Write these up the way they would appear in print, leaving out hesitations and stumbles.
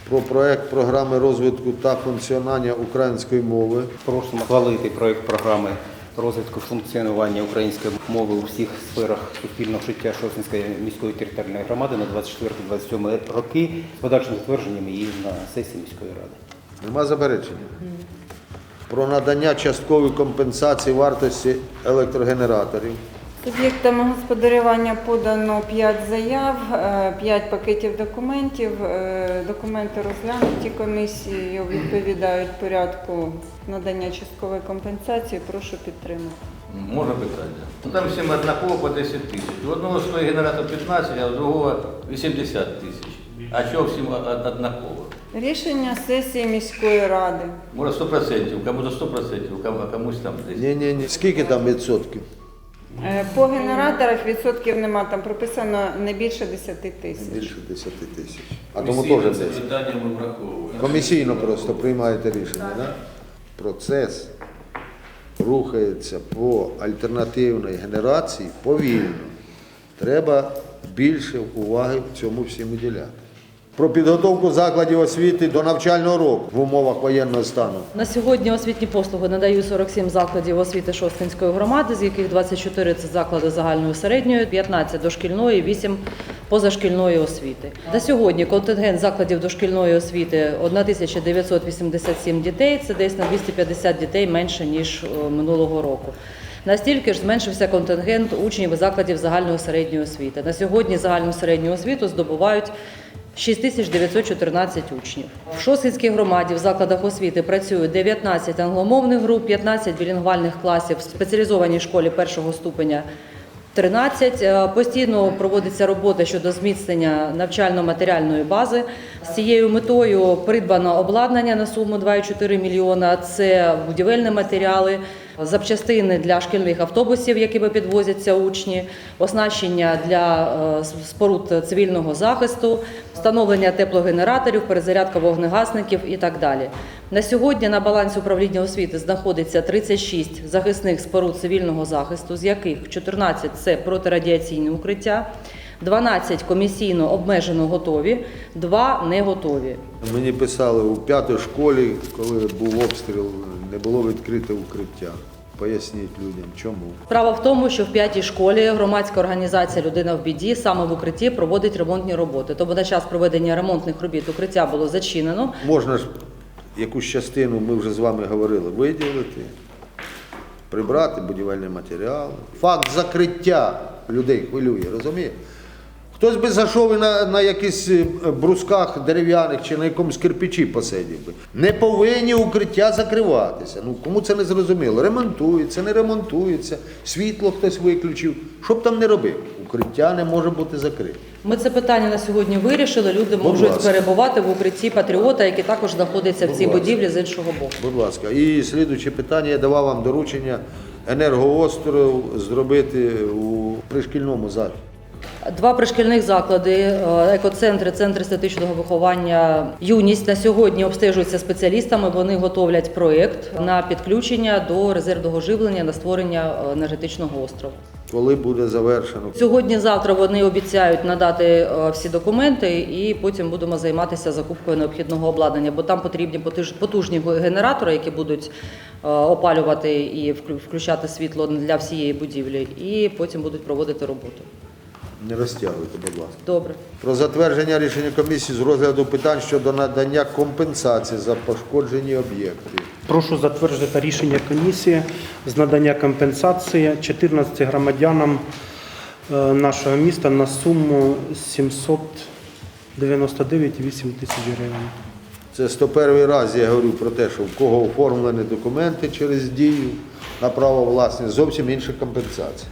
про проект програми розвитку та функціонування української мови. Просимо схвалити проект програми розвитку функціонування української мови у всіх сферах суспільного життя Шосткинської міської територіальної громади на 24-27 роки з подальшим затвердженням її на сесії міської ради. Нема заперечень? Про надання часткової компенсації вартості електрогенераторів. Суб'єктами господарювання подано 5 заяв, 5 пакетів документів. Документи розглянуті комісією, відповідають порядку надання часткової компенсації. Прошу підтримати. Можна питання? Там всім однаково по 10 тисяч. У одного стоїть генератор 15, а у другого 80 тисяч. А чого всім однаково? Рішення сесії міської ради. Може 100%, кому-то 100%, а комусь там 10. Ні. Скільки там відсотків? По генераторах відсотків нема, там прописано не більше 10 тисяч. Більше 10 тисяч. А тому теж 10. питання ми враховуємо. Комісійно просто приймаєте рішення, так? Процес рухається по альтернативній генерації повільно. Треба більше уваги в цьому всім уділяти. Про підготовку закладів освіти до навчального року в умовах воєнного стану. На сьогодні освітні послуги надають 47 закладів освіти Шосткинської громади, з яких 24 – це заклади загальної середньої, 15 – дошкільної, 8 – позашкільної освіти. На сьогодні контингент закладів дошкільної освіти – 1987 дітей, це десь на 250 дітей менше, ніж минулого року. Настільки ж зменшився контингент учнів закладів загальної середньої освіти. На сьогодні загальну середню освіту здобувають 6914 учнів. В Шосткинській громаді в закладах освіти працюють 19 англомовних груп, 15 білінгвальних класів, в спеціалізованій школі першого ступеня 13. Постійно проводиться робота щодо зміцнення навчально-матеріальної бази. З цією метою придбано обладнання на суму 2,4 мільйона. Це будівельні матеріали, запчастини для шкільних автобусів, якими підвозяться учні, оснащення для споруд цивільного захисту, встановлення теплогенераторів, перезарядка вогнегасників і так далі. На сьогодні на балансі управління освіти знаходиться 36 захисних споруд цивільного захисту, з яких 14 – це протирадіаційне укриття, 12 комісійно обмежено готові, 2 не готові. Мені писали, у 5-й школі, коли був обстріл, не було відкрите укриття. Поясніть людям, чому. Справа в тому, що в 5-й школі громадська організація «Людина в біді» саме в укритті проводить ремонтні роботи. Тому на час проведення ремонтних робіт укриття було зачинено. Можна ж якусь частину, ми вже з вами говорили, виділити, прибрати будівельні матеріали. Факт закриття людей хвилює, розумієте? Хтось би зайшов і на якихось брусках дерев'яних чи на якомусь кирпичі посидів би. Не повинні укриття закриватися. Ну, кому це не зрозуміло? Ремонтується, не ремонтується, світло хтось виключив. Що б там не робив? Укриття не може бути закрите. Ми це питання на сьогодні вирішили. Люди можуть перебувати в укритті «Патріота», який також знаходиться в цій будівлі з іншого боку. Будь ласка. І слідуюче питання, я давав вам доручення енергоостров зробити у пришкільному закладі. 2 пришкільних заклади, екоцентри, центр естетичного виховання «Юність» на сьогодні обстежуються спеціалістами. Вони готовлять проєкт на підключення до резервного живлення на створення енергетичного острову. Коли буде завершено? Сьогодні-завтра вони обіцяють надати всі документи і потім будемо займатися закупкою необхідного обладнання, бо там потрібні потужні генератори, які будуть опалювати і включати світло для всієї будівлі, і потім будуть проводити роботу. Не розтягуйте, будь ласка. Добре. Про затвердження рішення комісії з розгляду питань щодо надання компенсації за пошкоджені об'єкти. Прошу затвердити рішення комісії з надання компенсації 14 громадянам нашого міста на суму 799,8 тисяч гривень. Це 101 раз я говорю про те, що в кого оформлені документи через дію на право власності, зовсім інша компенсація.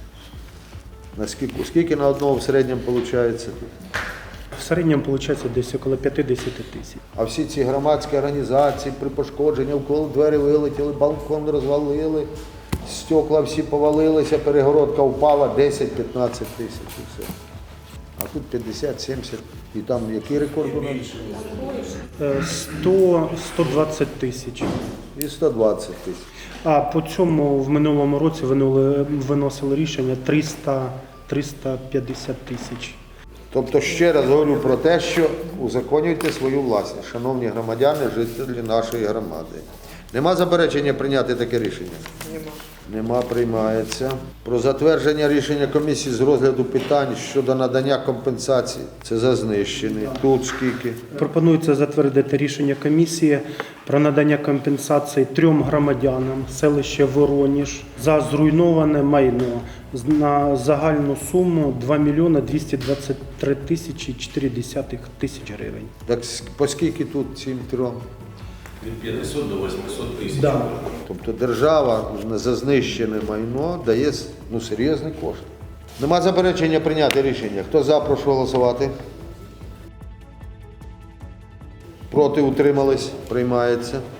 Скільки на одного в середньому виходить? В середньому виходить десь около 50 тисяч. А всі ці громадські організації при пошкодженні, вколо двері вилетіли, балкон розвалили, стекла всі повалилися, перегородка впала, 10-15 тисяч і все. А тут 50-70. І там який рекорд у нас? 120 тисяч. І 120 тисяч. А по цьому в минулому році виносили рішення 350 тисяч. Тобто, ще раз говорю про те, що узаконюйте свою власність, шановні громадяни, жителі нашої громади. Нема заперечення прийняти таке рішення? Нема, приймається. Про затвердження рішення комісії з розгляду питань щодо надання компенсації. Це за знищений. Тут скільки? Пропонується затвердити рішення комісії про надання компенсації 3 громадянам селища Вороніж за зруйноване майно на загальну суму 2 мільйони 223 тисячі 4 тисяч гривень. Так по скільки тут цим трьом? Від 500 до 800 тисяч. Да. Тобто держава за знищене майно дає серйозні кошти. Нема заперечення прийняти рішення. Хто за, прошу голосувати. Проти, утримались, приймається.